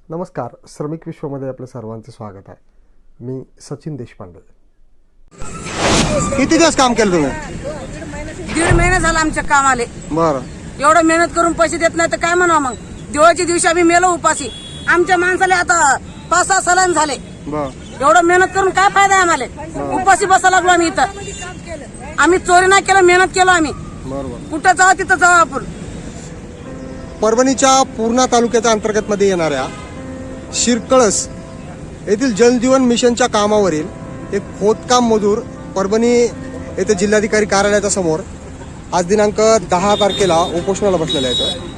नमस्कार, श्रमिक विश्वमध्ये आपलं सर्वांचं स्वागत आहे. मी सचिन देशपांडे. किती दिवस काम केलं तुम्ही? दीड महिना झाला आमच्या कामाले. बरं. एवढं मेहनत करून पैसे देत नाही तर काय म्हणावं मग. दिवाळीच्या दिवशी आम्ही मेलो उपाशी. आमच्या माणसाला आता 5-6 सलाईन झाले. बरं. एवढं मेहनत करून काय फायदा आहे आम्हाला. उपाशी बसा लागलो आम्ही इथं. आम्ही चोरी नाही केलं, मेहनत केलो आम्ही. बरोबर. कुठं जाऊ तिथं जाऊ आपण. परभणीच्या पूर्णा तालुक्याच्या अंतर्गत मध्ये येणाऱ्या शिरकळस येथील जलजीवन मिशनच्या कामावरील एक खोदकाम मजूर परभणी येथे जिल्हाधिकारी कार्यालयाच्या समोर आज दिनांक 10 तारखेला उपोषणाला बसलेले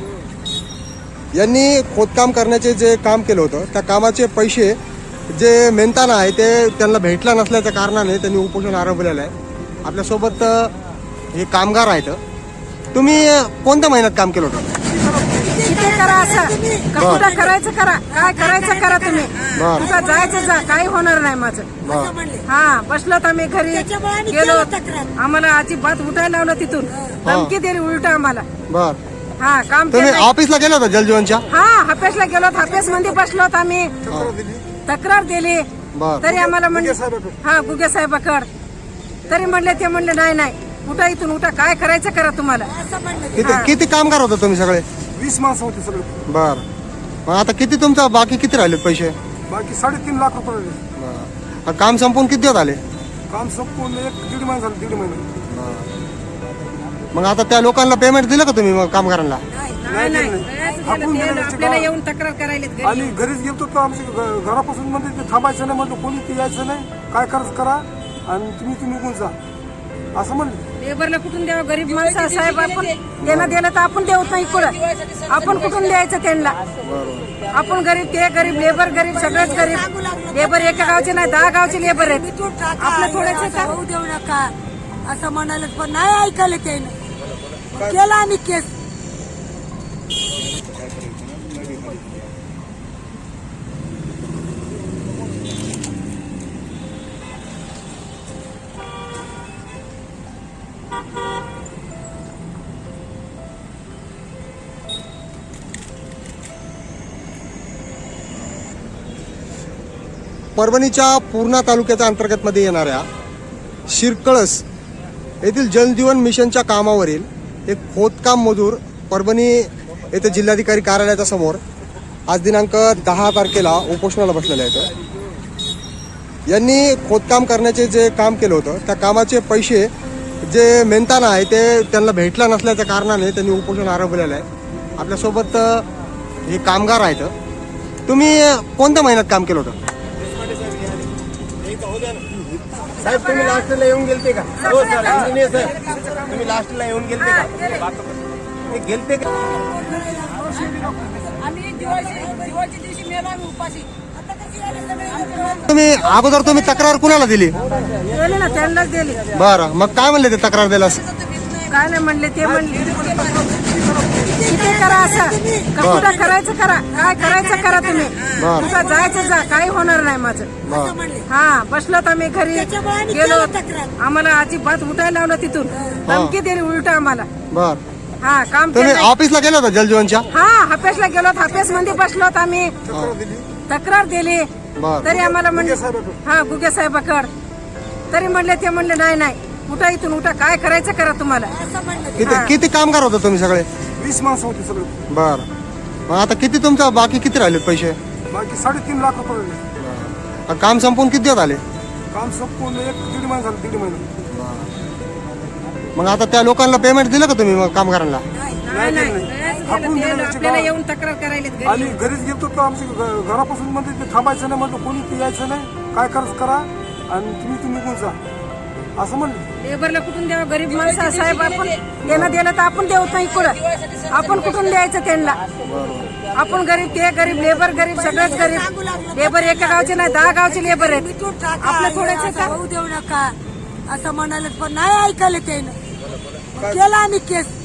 आहेत. यांनी खोदकाम करण्याचे जे काम केलं होतं त्या कामाचे पैसे जे मेहनताना आहे ते त्यांना भेटला नसल्याच्या कारणाने त्यांनी उपोषण आरंभलेलं आहे. आपल्यासोबत हे कामगार आहेत. तुम्ही कोणत्या महिन्यात काम केलं होतं? किती करा असं कुठं करायचं करा, काय करायचं करा तुम्ही. कुठं जायचं जा, काही होणार नाही माझं. हा, बसलो तर आम्ही घरी गेलो. आम्हाला अजिबात उठायला लावलं तिथून. धमकी दिली उलट आम्हाला. बर. हा, काम तुम्ही ऑफिसला गेला होता जलजीवनच्या? हा, हापेसला गेलो. हापेस मध्ये बसलो आम्ही. तक्रार दिली तरी आम्हाला म्हणले हा गुगे साहेबाकड. तरी म्हणले ते म्हणले नाही उठा इथून, उठा, काय करायचं करा तुम्हाला. किती कामगार होता तुम्ही सगळे? 20 माणसं होती सगळे. बर. मग आता किती तुमचा बाकी किती राहिले पैसे? बाकी 3.5 लाख रुपये राहिले. बरं. काम संपून किती दिवस आले? काम संपूर्ण 1-1.5 महिना झालं. 1.5 महिना. मग आता त्या लोकांना पेमेंट दिलं का तुम्ही मग कामगारांना? आपल्याला येऊन तक्रार करायला. आणि घरीच गेलो तर आमच्या घरापासून म्हणजे ते थांबायचं नाही म्हटलं, कोणी ते यायचं नाही, काय करायचं करा आणि तुम्ही निघून जा असं म्हणलं. लेबरला कुठून द्यावं? गरीब माणसं साहेब, आपण त्यांना दिलं तर आपण देऊत नाही. कुठं आपण कुठून द्यायचं त्यांना? आपण गरीब, ते गरीब, लेबर गरीब, सगळेच गरीब. लेबर एका गावचे नाही, 10 गावचे लेबर आहेत. आपलं थोडेसे होऊ देऊ नका असं म्हणाले, पण नाही ऐकायला त्यानं. केला आम्ही केस. परभणीच्या पूर्णा तालुक्याच्या अंतर्गत मध्ये येणाऱ्या शिरकळस येथील जलजीवन मिशनच्या कामावरील एक खोदकाम मजूर परभणी येथे जिल्हाधिकारी कार्यालयाच्या समोर आज दिनांक 10 तारखेला उपोषणाला बसलेले आहेत. यांनी खोदकाम करण्याचे जे काम केलं होतं त्या कामाचे पैसे जे मेहनताना आहे ते त्यांना भेटला नसल्याच्या कारणाने त्यांनी उपोषण आरंभलेलं आहे. आपल्यासोबत हे कामगार आहेत. तुम्ही कोणत्या महिन्यात काम केलं होतं? साहेब तुम्ही लास्टला येऊन गेलते का? हो सर, इंजिनियर सर, तुम्ही लास्टला येऊन गेलते का? गेलते का? आम्ही दिवाळीच्या दिवशी मेलो आम्ही उपाशी. तुम्ही अगोदर तक्रार कुणाला दिली? दिली ना, त्यांनाच दिली. बरं. मग काय म्हणले ते तक्रार दिलास? काय नाही म्हणले, ते म्हणले किती करा असं कुठं करायचं करा, काय करायचं करा तुम्ही. कुठं जायचं जा, काही होणार नाही माझं. हा, बसलो तर आम्ही घरी गेलो. आम्हाला अजिबात उठायला लावलं तिथून. धमकी दिली उलट आम्हाला. बर. हा, काम तुम्ही ऑफिसला गेला होता जलजीवनच्या? हा, हापेसला गेलो. हापेस मध्ये बसलो आम्ही. तक्रार दिली तरी आम्हाला म्हणले हा गुगे साहेबाकड. तरी म्हणले ते म्हणले नाही उठा इथून, उठा, काय करायचं करा तुम्हाला. किती कामगार होता तुम्ही सगळे? 20 माणसं होती सगळे. बर. मग आता किती तुमचा बाकी किती राहिले पैसे? बाकी 3.5 लाख रुपये राहिले. काम संपून किती दिवस आले? काम संपूर्ण 1-1.5 महिना झालं. 1.5 महिना. मग आता त्या लोकांना पेमेंट दिलं का तुम्ही मग कामगारांना? आपल्याला येऊन तक्रार करायला. आणि घरीच गेलो तर आमच्या घरापासून म्हणजे ते थांबायचं नाही म्हटलं, कोणी ते यायचं नाही, काय करायचं करा आणि तुम्ही निघून जा असं म्हणलं. लेबरला कुठून द्यावं? गरीब माणसं साहेब, आपण त्यांना दिलं तर आपण देऊत नाही. कुठं आपण कुठून द्यायचं त्यांना? आपण गरीब, ते गरीब, लेबर गरीब, सगळेच गरीब. लेबर एका गावचे नाही, 10 गावचे लेबर आहेत. आपलं थोडेसे होऊ देऊ नका असं म्हणाले, पण नाही ऐकायला त्यानं. केला आम्ही केस.